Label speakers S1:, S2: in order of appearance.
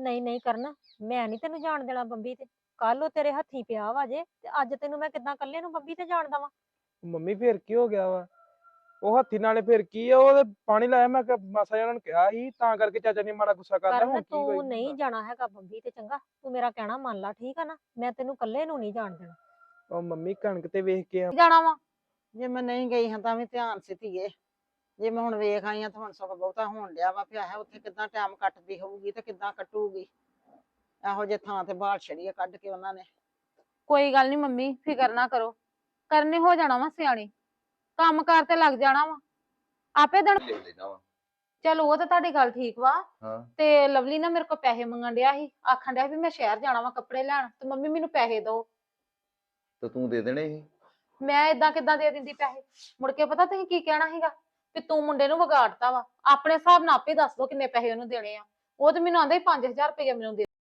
S1: ਨਹੀਂ ਨਹੀਂ ਕਰਨ, ਮੈਂ ਨਹੀਂ ਤੈਨੂੰ ਜਾਣ ਦੇਣਾ ਬੰਬੀ ਤੇ। ਕੱਲ ਉਹ ਤੇਰੇ ਹੱਥੀਂ ਪਿਆ ਵਾ ਜੇ, ਤੇ ਅੱਜ ਤੈਨੂੰ ਮੈਂ ਕਿੱਦਾਂ ਇਕੱਲੇ ਨੂੰ ਬੰਬੀ ਤੇ ਜਾਣ ਦੇਵਾਂ?
S2: ਮੰਮੀ ਫੇਰ ਕੀ ਹੋ ਗਿਆ ਵਾ? ਉਹ ਹੱਥੀ ਨਾਲੇ ਫੇਰ ਕੀ ਆ, ਉਹਦੇ ਪਾਣੀ ਲਾਇਆ, ਮੈਂ ਕਿਹਾ ਮਾਸਾ ਜਿਹਾ ਉਹਨਾਂ ਨੂੰ ਕਿਹਾ ਸੀ, ਤਾਂ ਕਰਕੇ ਚਾਚਾ ਨੇ ਮਾੜਾ ਗੁੱਸਾ ਕਰ ਲਿਆ।
S1: ਕਰਨ
S2: ਹੁਣ ਕੀ ਕੋਈ
S1: ਤੂੰ ਨਹੀਂ ਜਾਣਾ ਹੈਗਾ ਬੰਬੀ ਤੇ, ਚੰਗਾ ਤੂੰ ਮੇਰਾ ਕਹਿਣਾ ਮੰਨ ਲਾ, ਠੀਕ ਆ ਨਾ? ਮੈਂ ਤੈਨੂੰ ਇਕੱਲੇ ਨੂੰ ਨਹੀਂ ਜਾਣ ਦੇਣਾ।
S2: ਉਹ ਮੰਮੀ ਕਣਕ ਤੇ ਵੇਖ ਕੇ
S3: ਜਾਣਾ ਵਾ।
S4: ਜੇ ਮੈਂ ਨਹੀਂ ਗਈ ਹਾਂ ਤਾਂ ਵੀ ਧਿਆਨ ਸੀ ਧੀਏ। ਜੇ ਮੈਂ ਹੁਣ ਵੇਖ ਆਈ ਹਾਂ ਤਾਂ ਹੁਣ ਸਗੋਂ ਬਹੁਤਾ ਹੋਣ ਡਿਆ ਵਾ ਪਿਆ ਹੈ, ਉੱਥੇ ਕਿੱਦਾਂ ਟਾਈਮ ਕੱਟਦੀ ਹੋਊਗੀ ਤੇ ਕਿੱਦਾਂ ਕੱਟੂਗੀ। ਇਹੋ ਜਿਹੇ ਥਾਂ ਤੇ ਬਾਹਰ ਛੜੀ ਕੱਢ ਕੇ ਉਹਨਾਂ ਨੇ।
S3: ਕੋਈ ਗੱਲ ਨਹੀਂ ਮੰਮੀ, ਫਿਕਰ ਨਾ ਕਰੋ, ਕਰਨੇ ਹੋ ਜਾਣਾ ਵਾ ਸਿਆਣੀ, ਕੰਮ ਕਾਰ ਤੇ ਲੱਗ ਜਾਣਾ ਵਾ ਆਪੇ ਦਿਨ।
S5: ਲੈ ਲੈਣਾ ਵਾ।
S3: ਚਲ ਉਹ ਤਾਂ ਤੁਹਾਡੀ ਗੱਲ ਠੀਕ ਵਾ।
S5: ਹਾਂ
S3: ਤੇ ਲਵਲੀ ਨਾ ਮੇਰੇ ਕੋਲ ਪੈਸੇ ਮੰਗਣ ਡਿਆ ਸੀ, ਆਖਣ ਡਿਆ ਵੀ ਮੈਂ ਸ਼ਹਿਰ ਜਾਣਾ ਵਾ ਕੱਪੜੇ ਲੈਣ, ਤੇ ਮੰਮੀ ਮੈਨੂੰ ਪੈਸੇ ਦਿਓ।
S5: ਤੇ ਤੂੰ ਦੇ ਦੇਣੇ ਸੀ।
S3: ਮੈਂ ਏਦਾਂ ਕਿੱਦਾਂ ਦੇ ਦਿੰਦੀ ਪੈਸੇ? ਮੁੜ ਕੇ ਪਤਾ ਤੁਸੀਂ ਕੀ ਕਹਿਣਾ ਸੀਗਾ ਵੀ ਤੂੰ ਮੁੰਡੇ ਨੂੰ ਵਿਗਾੜਤਾ ਵਾ। ਆਪਣੇ ਹਿਸਾਬ ਨਾਲ ਆਪੇ ਦੱਸ ਦੋ ਕਿੰਨੇ ਪੈਸੇ ਉਹਨੂੰ ਦੇਣੇ ਆ। ਉਹ ਤੇ ਮੈਨੂੰ ਆਂਦਾ 5000 ਰੁਪਏ ਮੈਨੂੰ ਦੇ